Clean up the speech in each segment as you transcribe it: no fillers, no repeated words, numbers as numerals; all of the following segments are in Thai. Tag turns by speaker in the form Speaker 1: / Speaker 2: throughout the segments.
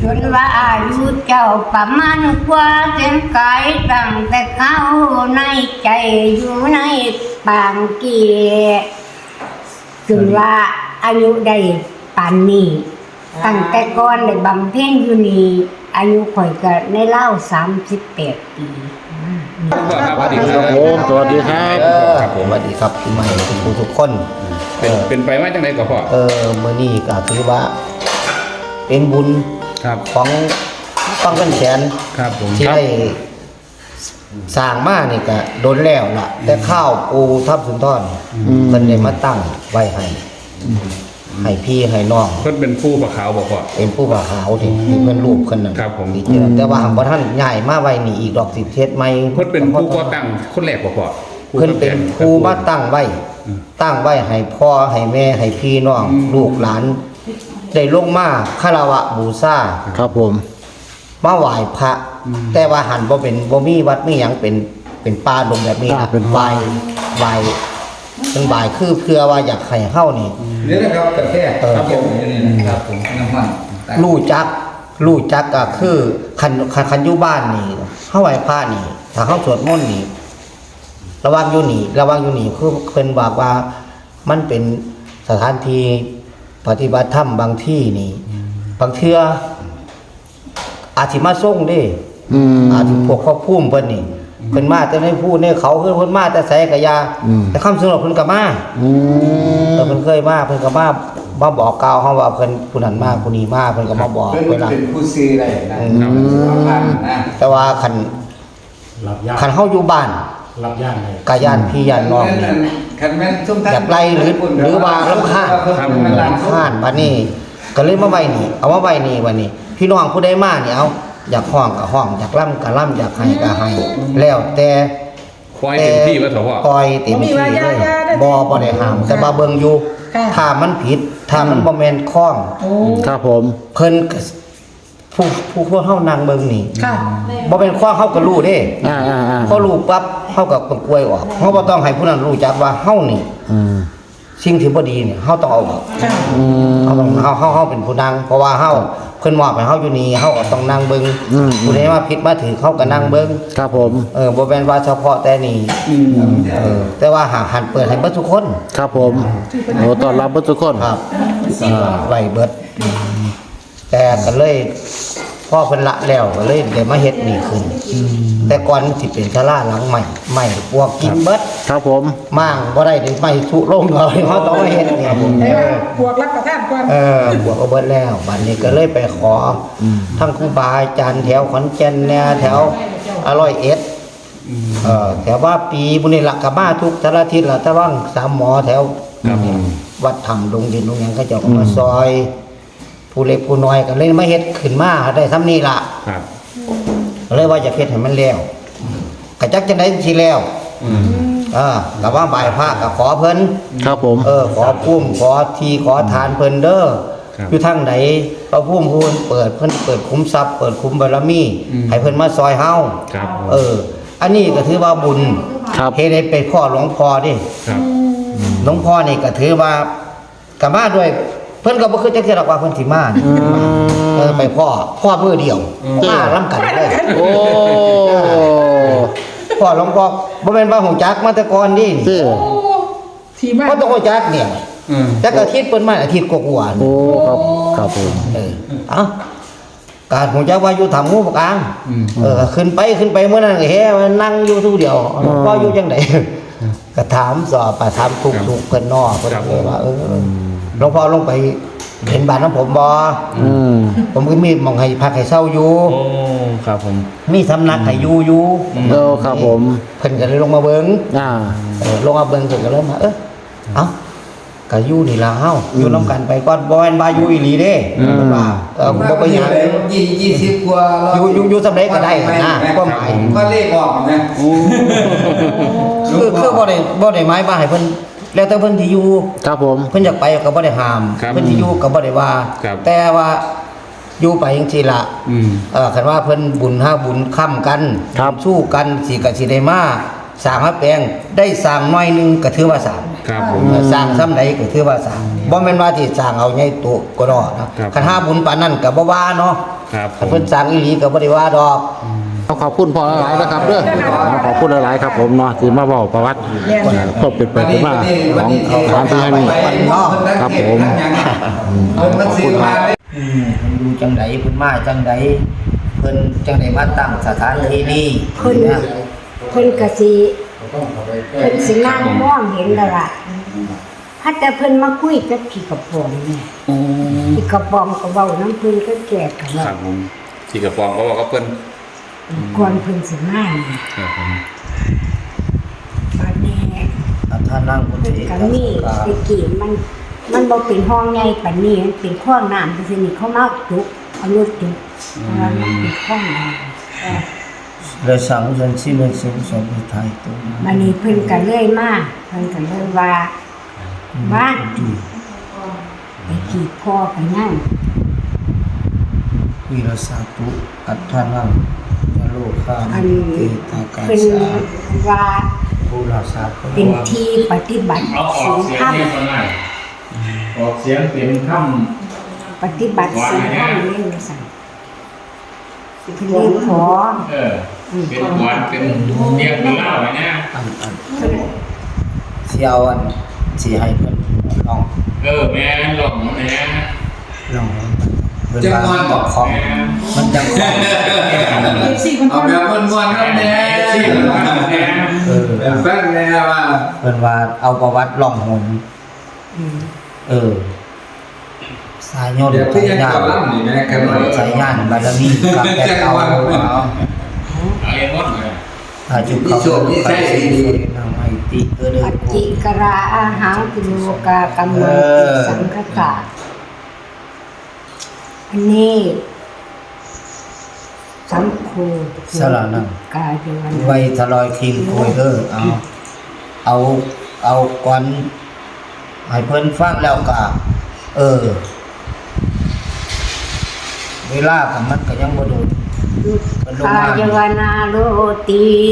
Speaker 1: จนว่าอายุเจ้าประมาณกว่าเส้นกายตั้งแต่เขาในใจอยู่ในปางเกียจนว่าอายุได้ปานนี้ตั้งแต่ก่อนได้บำเพ็ญอยู่นี่อายุข่อยก็ในเล่า38 ปี
Speaker 2: สวัสดีค
Speaker 3: ค
Speaker 2: รั
Speaker 3: รั
Speaker 2: บบ
Speaker 3: ผมสวัสดีครับ
Speaker 2: ครับผม
Speaker 4: สวัสดีครับพี่ใหม่ทุกคน
Speaker 2: เป็นไปว่าจังไดก็พ่อ
Speaker 4: มื้อนี้ก็ถือว่า เป็นบุญ
Speaker 2: ครับ
Speaker 4: ของฟังเป็นแสน
Speaker 2: ครับผม
Speaker 4: ที่ได้สร้างมานี่ก็โดนแล้วล่ะ แต่ข้าวปูทับสุนทรเพิ่นได้มาตั้งไว้ให้พี่ให้น้อง
Speaker 2: เพิ่นเป็นผู้ประขาวบอกพ่อ
Speaker 4: เป็นผู้บ่าวขาวที่เพิ่นรูปขึ้นนั่น
Speaker 2: ครับผม
Speaker 4: ที่เจอแต่ว่าหากบ่ท่านย้ายมาไว้นี่อีกดอกสิเทศใหม่
Speaker 2: เพิ่นเป็นผู้ก่อตั้งคนแรกบอกพ่อ
Speaker 4: เพิ่นเป็นครูมาตั้งไว้ให้พ่อให้แม่ให้พี่น้องลูกหลานได้ลงมาคารวะบูชา
Speaker 3: ครับผม
Speaker 4: มาไหว้พระแต่ว่าหันบ่มีวัดมีหยังเป็นป่าดงแบบนี้นะไหว้เป็นบ่ายคือเพื่อว่าอยากให้เฮานี่
Speaker 5: นี่นะครับกาแฟครับผมนี่นะครับผมน้ำมัน
Speaker 4: รู้จักก็คือคันอยู่บ้านนี่เฮาไหว้พระนี่ถ้าเฮาสวดมนต์นี่ระวังอยู่นี่คือเพิ่นบอกว่ามันเป็นสถานที่ปฏิบัติธรรมบางที่นี่บางเทื่ออาจสิมาส่งเด้ อาจสิพวกครอบครัวเพิ่นนี่เพิ่นมาแต่ในผู้ในเขาคือเพิ่นมาแต่ไสกะยาแต่คำสนบเพิ่นก็มาเพิ่นเคยมาเพิ่นก็มาบอกกล่าวเฮาว่าเพิ่นผู้นั้นมาผู้นี้มาเพิ่นก็มาบอก
Speaker 5: เป็น
Speaker 4: เวลา
Speaker 5: ผู้ซื้ออะไรนะ
Speaker 4: แต่ว่าคันเฮาอยู่บ้าน
Speaker 3: รับย่างเลย
Speaker 4: กะย่านพี่ย่านน้องนี่
Speaker 5: คันแม่นส้มท่าน
Speaker 4: อยากไล่หรือว่ารำคาญบัดนี้ก็เลยมาไว้นี่เอามาไว้นี่วันนี้ พี่น้องผู้ใดมานี่เอาอยากห้องก็ห้องอยากล่ำก็ล่ำอยากให้ก็ให้แล้วแต่
Speaker 2: คอยเต็มที่ว่าเถอะพ่อ
Speaker 4: ปล่อยเต็มที่เลยบ่ได้ห้ามแต่บ่าเบิ่งอยู่ถ้ามันผิดถ้ามันบ่แม่นคล้อง
Speaker 3: ครับผม
Speaker 4: เพิ่นก็ผู้พวกเฮานั่งเบิ่งนี่
Speaker 6: ค่ะ
Speaker 4: บ่เป็นคล้องเฮาก็รู้เด้
Speaker 3: อ่า
Speaker 4: พอรู้ปั๊บเฮาก็ต้องกล้วยออกเฮาบ่ต้องให้ผู้นั้นรู้จักว่าเฮานี่สิ่งที่บ่ดีนี่เฮาต้องเอาออก
Speaker 6: ค่ะ
Speaker 4: เฮาต้องเฮาเป็นผู้นั่งเพราะว่าเฮาเพิ่นมอบให้เฮาอยู่นี่เฮาก็ต้องนั่งเบิ่งผู้ใดมาผิดมาถือเฮาก็นั่งเบิ่ง
Speaker 3: ครับผม
Speaker 4: บ่แม่นว่าเฉพาะแต่นี่แต่ว่าหากหันเปิดให้เบิดทุกคน
Speaker 3: ครับผมโอ้ต้อนรับทุกคน
Speaker 4: ครับไว้เบิดแต่ก็เลยพ่อเพิ่นละแล้วก็เลยได้มาเฮ็ดนี่ขึ้นแต่ก่อนมันสิเป็นศาลาหลังใหม่พวกกินเบิด
Speaker 3: ครับผม
Speaker 4: มั่งบ่ได้ได้ไม่ทุลงเลยเฮาต้องมาเฮ็ดนี่
Speaker 6: ได้ว่าพวกรับประทานก่อน
Speaker 4: บวกก็เบิดแล้วบัดนี้ก็เลยไปขอทั้งครูบาอาจารย์แถวขอนแก่นแนวแถว101แถวว่าปีบุญนี่ละก็มาทุกแต่ละอาทิตย์ละแต่ว่างสามหมอแถว
Speaker 2: ครับผม
Speaker 4: วัดธรรมดงดินดงหยังเขาเจ้าก็มาซอย ผู้เล็กผู้น้อยก็เลยมาเฮ็ดขึ้นมาได้ซ้ำนี้ล่ะ
Speaker 2: ครับ
Speaker 4: ก็เลยว่าจะเฮ็ดให้มันแล้วก็จักจังได๋สิแล้วก็ว่าบ่ายพระก็ขอเพิ่น
Speaker 3: ครับผม
Speaker 4: ขอพุ่มขอทีขอทานเพิ่นเด้ออยู่ทางไหนพระพุ่มพูนเปิดเพิ่นเปิดคุ้มทรัพย์เปิดคุ้มบารมีให้เพิ่นมาซอยเฮา
Speaker 2: ครับ
Speaker 4: อันนี้ก็ถือว่าบุญ
Speaker 3: ครับ
Speaker 4: เฮ็ดให้เป็นพ่อหลวงพ่อดิ
Speaker 2: ครับ
Speaker 4: หลวงพ่อนี่ก็ถือว่าก็มาด้วยเพิ่นก็บ่คือจักเทื่อดอกว่าเพิ่นสิมาไปพ่อมือเดียวมาล้ำกันเลย
Speaker 3: โอ้
Speaker 4: พ่อหลวงพ่อบ่แม่นว่าฮู้จักมาแต่ก่อนดิ
Speaker 3: เจ้
Speaker 6: ที่มา
Speaker 4: บ่ต้องฮู้จักเนี่ยจักอาทิตย์เพิ่นมาอาทิตย์กว่าๆ
Speaker 3: โอ้ครับครับผม
Speaker 4: การฮู้จักว่าอยู่ถ้ำงูปกลางขึ้นไปมื้อนั้นก็แฮ่นั่งอยู่ทุกเดียวหลวงพ่ออยู่จังได๋ก็ถามสอบถามทุกเพิ่นน้อเพิ่นก็ว่าหลวงพ่อลงไปเห็นบ้านของผมบ่ผมก็มีหม่องให้พักให้เช่าอยู่
Speaker 2: โอ้ครับผม
Speaker 4: มีสำนักให้อยู่
Speaker 3: โอ้ครับผม
Speaker 4: เพิ่นก็เลยลงมาเบิ่ง ลงมาเบิ่งเพิ่นก็เลยมาเอ้าก็อยู่นี่ล่ะเฮาอยู่นํกันไปก่อนบ่แม่นว่าอยู่อีหลีเด้เพิ่นว่าบ่ไปหยัง
Speaker 5: 20 กว่า
Speaker 4: อยู่สำเร็จก็ได้นะความหมาย
Speaker 5: ก็เลขออกนะ
Speaker 4: คือบ่ได้หมายว่าให้เพิ่นแล้วแต่เพิ่นที่อยู่
Speaker 3: ครับผม
Speaker 4: เพิ่นอยากไปก็บ่ได้ห้ามเพิ่นที่อยู่ก็บ่ได้ว่า แต่ว่าอยู่ไปจังซี่ล่ะคันว่าเพิ่นบุญหาบุญค้ำกันสู้กันสิก็สิได้มาสร้างมาแปลงได้สร้างน้อยนึงก็ถือว่าสร้าง
Speaker 2: ครับผม
Speaker 4: สร้างซ้ำใดก็ถือว่าสร้างบ่แม่นว่าที่สร้างเอาใหญ่โตก็ดอนะคันหาบุญปานนั้นก็บ่ว่าเนาะ
Speaker 2: ครับผ
Speaker 4: ถ้าม เพิ่นสั่งอีหลีก็บ่ได้ว่าดอก
Speaker 3: ขอบคุณพ่อหลายๆนะครับเด้อขอบคุณหลายๆครับผมเนาะที่มาบอกประวัติก็เป็นไปเป็นมาของสถานที่แห่งนี้ ครับผม
Speaker 5: เพิ่นมันซื้อมาเลย
Speaker 4: เพิ่นอยู่จังไดเพิ่นมาจังไดเพิ่นจังไดมาตั้งสถานที่นี้
Speaker 1: เพิ่นก็สิเพิ่นสินั่งมองเห็นแล้วล่ะถ้าแต่เพิ่นมาคุยกับพี่กระปอมเนี่ยพี่กระปอมก็เว้าน้ำเพิ่นก็แก่กัน
Speaker 2: ค
Speaker 1: แล้
Speaker 2: รั
Speaker 1: ว
Speaker 2: บผมที่กระปองก็บอกว่าเพิ่น
Speaker 1: ก่อนเพิ่นสิมาเนี่ย
Speaker 2: ครับผม
Speaker 1: บัดนี้
Speaker 4: ถ้านั่งบน
Speaker 1: เพิ่น
Speaker 4: เอก
Speaker 1: ก็มีตะกี้มันบ่เป็นห้องใหญ่ปานนี้มันเป็นคลองน้ำจังซี่นี่เขามาจุกเอารถจุกเพราะว่ามันเป็นคลองน้ำ
Speaker 4: เลยสั่งฉันสิมันสิสมไทยตัว
Speaker 1: บัดนี้เพิ่นก็เลยมาเพิ่นก็เลยว่าบ้านไปกีดพ่อไปนั่ง
Speaker 4: วิรสาตุอัตถานังยโลคา
Speaker 1: อัน
Speaker 4: มิเตตากา
Speaker 1: เป็น
Speaker 4: สา
Speaker 1: ว่า
Speaker 4: ภูราสาภ
Speaker 1: เป็นที่ปฏิบัติ
Speaker 5: เอาออ
Speaker 1: ศี
Speaker 5: ก
Speaker 1: ล
Speaker 5: เสีย
Speaker 1: ธรง รม
Speaker 5: เนี่ยตอนไหนออกเสียงเป็นค
Speaker 1: ปฏิบัติศีลธรรมนี่ว่าซั่นเพิ่นเลยขอ
Speaker 5: ำเป็นหวานเป็นเรียกเป็นเหล้าไงนะ
Speaker 4: อันเสียวอันสิให้เพิ่นลอง
Speaker 5: แม่หลงแม่
Speaker 4: ลองเพิ่นว่าบอกของมันจังของ
Speaker 5: เอาแบบม้วนๆครับแม่ที่มันทำแม่เป็นแฟนแม่ว่า
Speaker 4: เพิ่นว่าเอาประวัติล่องหนสายยนต์
Speaker 5: เดี๋ยว
Speaker 4: สา
Speaker 5: พี่
Speaker 4: ย
Speaker 5: ยัง
Speaker 4: ญา
Speaker 5: ก่อน
Speaker 4: ณ
Speaker 5: ล่ำนี่แม่กันเลย
Speaker 4: สายญาณบารมีกับแต่เอา
Speaker 5: เอาเองหมดเลย
Speaker 4: อาจุเขาไปสินำให้ติเด้อ
Speaker 1: ปัจจิกราอาหังติโลกากำมังติสังคตาอันนี้สัมโฆ
Speaker 4: สารนัง
Speaker 1: กายเดวัน
Speaker 4: ไว้ทลอยคิงโคยเด้อเอาก่อนให้เพิ่นฟังแล้วก็เวลากับมันก็ยังบ่โดน
Speaker 1: กายเวนาโลติ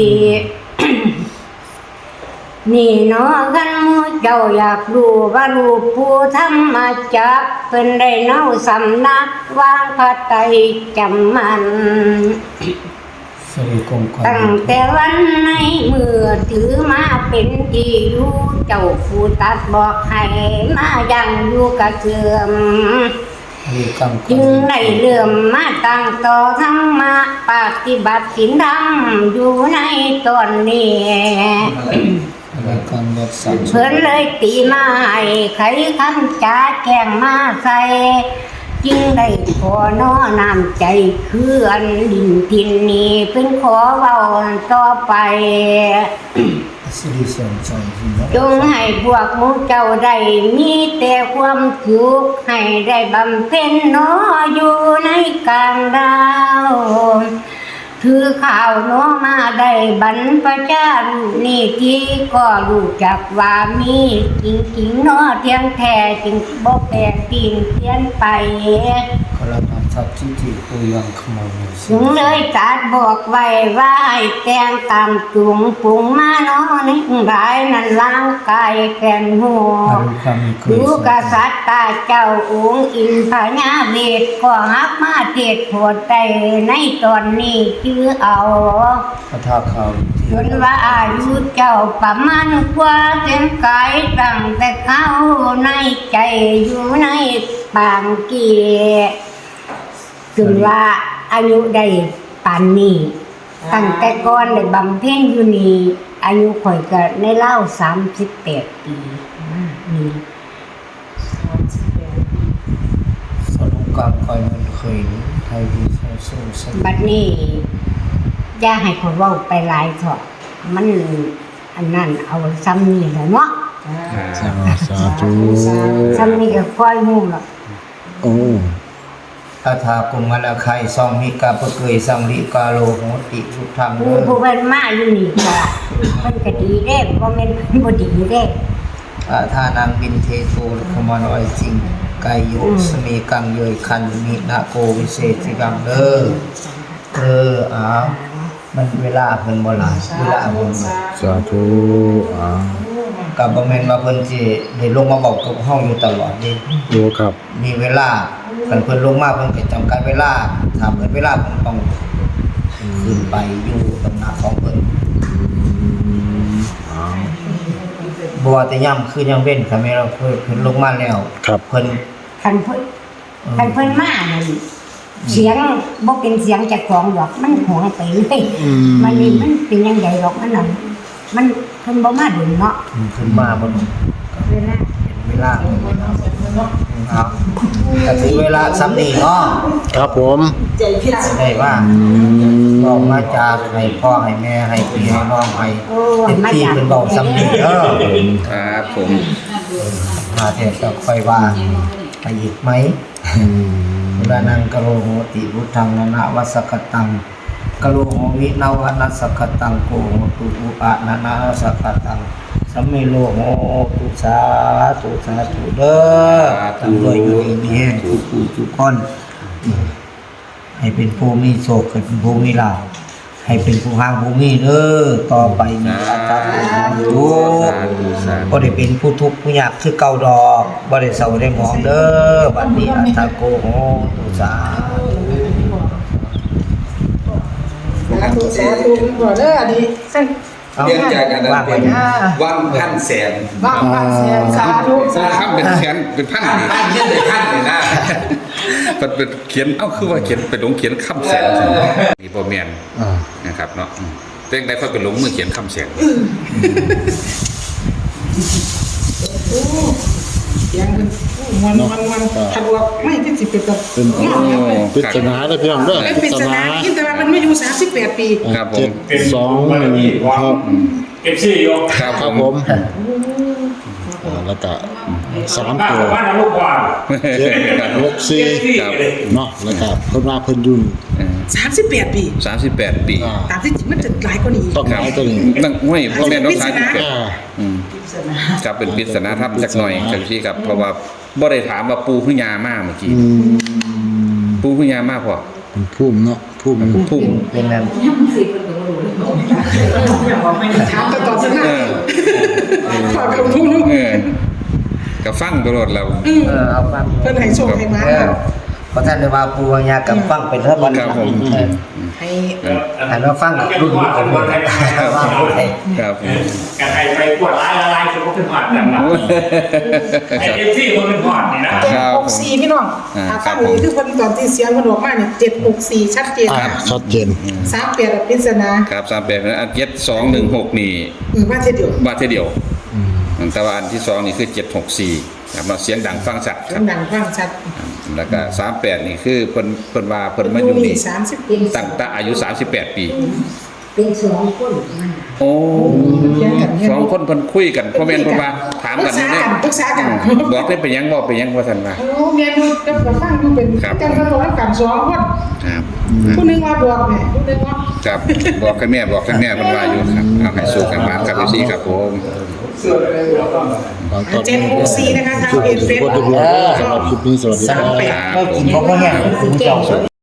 Speaker 1: นี่เนาะกันหมู่เจ้าอยากรู้ว่าลูกผู้ธรรมจักรเพิ่นได้เนาสำนักวางพระไตรจำมัน
Speaker 4: สิริคงคอย
Speaker 1: ตั้งแต่วันในเมื่อถือมาเป็นที่อยู่เจ้าผู้ตัดบอกให้มายังอยู่กระเสื่อม
Speaker 4: มีกังค
Speaker 1: จึงได้เลื่อมมาตั้งต่อธรรมะปฏิบัติศีลธรรมอยู่ในตอนนี้
Speaker 4: อะไรกันรักษา
Speaker 1: เพิ่นเลยตีมาให้ไขคำจาแกล้งมาใส่จึงได้ขอน้อน้ำใจคืออันดินทินนี้เพิ่นขอเว้าต่อไป
Speaker 4: สิริเสริมใจสิเนาะ
Speaker 1: จงให้พวกหมูเจ้าได้มีแต่ความสุขให้ได้บำเพ็ญหนออยู่ในกลางดาวถือข่าวหนอมาได้บรรพชานี่ที่ก็รู้จักว่ามีจริงๆหนอเทียงแท้จึงบ่แปลกปีนเปลี่ยนไป
Speaker 4: ขอรับนำทรัพย์ที่ที่ปุยังขโมยสิ
Speaker 1: ถึงเลยตัดบอกไว้ว่าให้แต่งตามจุงปรุงมาเนาะในรายนั้นร่างกายแก่นหัว
Speaker 4: อรุความมีเคย
Speaker 1: ดูกษัตริย์ตาเจ้าองค์อินพญาเวทก็ฮักมาเทศโปรดได้ในตอนนี้ชื่อเอา
Speaker 4: พระธาตุเขา
Speaker 1: จนว่าอายุเจ้าประมาณกว่าเส้นกายตั้งแต่เข้าในใจอยู่ในปางเกียจนว่าอายุได้ปานนี้ตั้งแต่ก่อนได้บำเพ็ญอยู่นี่อายุข่อยก็ในเล่า38 ปีนี่
Speaker 4: สรุปการคอยมันเคยไทยดีใช้สู้ใช้
Speaker 1: บัดนี้อย่าให้ข่อยเว้าไปหลายเถอะมันอันนั้นเอาซ้ำนี่แหละเนาะ
Speaker 3: สาธุ
Speaker 1: ซ้ำนี่ก็ค่อยฮู้ล่ะ
Speaker 3: โอ้
Speaker 4: พระธากุมันอาคัยซองมิกาปะเกยสังลิกาโลโหติทุกธรรม
Speaker 1: ผู้ผู้เพิ่นมาอยู่นี่ก็เพิ่นก็ดีเด้บ่แม่นเพิ่นบ่ดีเด้
Speaker 4: อาทานังบินเทโทขมานอยจริงกายโยสมีกังเยยคันมินาโกวิเศษสิกังมันเวลาเพิ่นบ่หลายเวลาเพิ่นบ่
Speaker 3: สาธุอ่า
Speaker 4: กับบ่แม่นว่าเพิ่นสิได้ลงมาบอกกับเฮาอยู่ตลอดเด้
Speaker 3: ดูครับ
Speaker 4: มีเวลาคันเพิ่นลงมาเพิ่นก็จำกัดเวลาถ้าเปิดเวลาเพิ่นต้องขึ้นไปอยู่ตำหนักของเพิ่นบ่ว่าแต่ย่ำคือย่ำเว้นค่ะแม่เราเพิ่นลงมาแล้ว
Speaker 3: ครับ
Speaker 4: เพิ่น
Speaker 1: คันเพิ่นมานั่นเสียงบ่เป็นเสียงจากของดอกมันหวงไปเลยมันนี่มันเป็นยังไงดอกมันนั่นมันเพิ่นบ่มาดุเนาะ
Speaker 4: ขึ้นมาบ่รู้
Speaker 1: เวลา
Speaker 4: เวลาครับก็ถึงเวลาซ้ำนี่เนาะ
Speaker 3: ครับผม
Speaker 4: ได้ว่าบอกมาจากให้พ่อให้แม่ให้พี่ให้น้องให้เต็มที่เป็นบอกซ้ำนี่
Speaker 2: ครับผม
Speaker 4: มาเทศก็ค่อยว่าไปอีกไหมอุรานังกะโลโหติพุทธังนานาวัสกตังกะโลโหวินาวนัสสกตังโกโหตุอุปะนานาสกตังสัมเมโลโหตุสาธุสาธุเด้อทำด้วยอยู่ดีมีแห่งทุกผู้ทุกคนให้เป็นผู้มีโชคเป็นผู้มีลาภให้เป็นผู้ห่างผู้มีเด้อต่อไปมีอัตตาทุกบ่ได้เป็นผู้ทุกข์ผู้ยากคือเก่าดอกบ่ได้เศร้าได้หมองเด้อบัดนี้อัตตาโกโหตุสา
Speaker 6: สาธุก่อนเด้ออันนี้เส้น
Speaker 5: เรียนจากกันนั้นเป็นวันพันแสน
Speaker 6: บ้างบ้างเสียสาธุ
Speaker 2: สร้างคำเป็นแสนเป็นพันนี่
Speaker 5: พันเยอะเลยพันเลยนะ
Speaker 2: มันเป็นเขียนคือว่าเขียนเป็นลงเขียนคำแสนนี่บ่แม่นนะครับเนาะเรื่องใดค่อยเป็นลงมือเขียนคำแสน
Speaker 6: เสียงมันทันว่าไม่ที่สิเป็นแบบ
Speaker 3: เป็นปริศนาเลยพี่น้องเด้อ
Speaker 6: เป็นปริศนาคิดแต่ว่ามันไม่อยู่38 ปี
Speaker 2: ครับผม
Speaker 3: 721
Speaker 7: เอฟซีอยู่
Speaker 2: ครับ
Speaker 3: ครับ
Speaker 2: ผ
Speaker 3: ผม มแล้วก็3 ตัว
Speaker 7: บ้านลูกกวาง
Speaker 3: 764ครับเนาะแล้วก็เพิ่นว่าเพิ่นอยู่
Speaker 6: 38 ปี
Speaker 2: 38 ปี
Speaker 6: ตามที่จริงมันจะหลายกว่านี้
Speaker 3: ต้องหลายตัวนี้
Speaker 2: นั่งห้วยพ่อแม่น้องชายที่เกิด
Speaker 3: อ่า
Speaker 2: ครับเป็นปริศนาธรรมสักหน่อยครับพี่ครับเพราะว่าบ่ได้ถามว่าปูพึ่งยามาเมื่อกี้ปูพึ่งยามาพอ
Speaker 3: เป็นภูมิเนาะภูมิ
Speaker 2: พุ่ม
Speaker 4: เป็นนั้น
Speaker 6: ถามตอบสนานฝากคำพูด
Speaker 2: ก็ฟังตลอดแล้ว
Speaker 4: เอาฟัง
Speaker 6: เพิ่นให้โชคให้มา
Speaker 4: เพราะท่านได้ว่าปูวัญญากับฟังเป็นเรื่องวัน
Speaker 2: ครับผม
Speaker 6: ให้
Speaker 4: หันมาฟังรุ่นนี้กันหมดว่าผู้ใด
Speaker 2: ครับผม
Speaker 7: กันไทยไปกวดลายคือพวกเป็นหอดแบบนั้นไอเอฟซีมันเป็นหอดนี่นะ
Speaker 6: 764พี่น้องถ้าฟังนี้คือเพิ่นตอนที่เสียงมันออกมาเนี่ย764ชัดเจน
Speaker 3: ชัดเจน
Speaker 6: 38ปริศนา
Speaker 2: ครับ38นะอัน7216นี่
Speaker 6: ว่าเท่เดียว
Speaker 2: ว่าเท่าเดียวแต่ว่าอันที่2นี่คือ764ครับมาเสียงดังฟังชัดครับ
Speaker 6: ดังฟังชัด
Speaker 2: แล้วก็38นี่คือเพิ่นว่าเพิ่นมาอยู่นี่ตั้งแต่อายุ38 ปี
Speaker 1: เป็นสองคนมัน
Speaker 2: โอ้สองคนเพิ่นคุยกันพ่อแม่นเพิ่นว่าถามกันอยู่เนี่ย
Speaker 6: ปรึกษากัน
Speaker 2: บอกได้ไปยังบอกไปยังว่าซั่นว่า
Speaker 6: โอ้เมียนูก็ฟังอยู่เป็นจังกันตัวกัน2คน
Speaker 2: ครับ
Speaker 6: ผู้นึงว่าบอกแม่ผู้นึงว่า
Speaker 2: ครับบอกให้แม่บอกให้แม่เพิ่นว่าอยู่ครับเอาให้สู้กันมาครับพี่ครับผม
Speaker 6: 764นะคะทางเพจเฟซ
Speaker 3: สำหรับคลิปนี้สวัสดีครับ
Speaker 4: เรากินเพราะว่าเนี่ยคุณเจ้า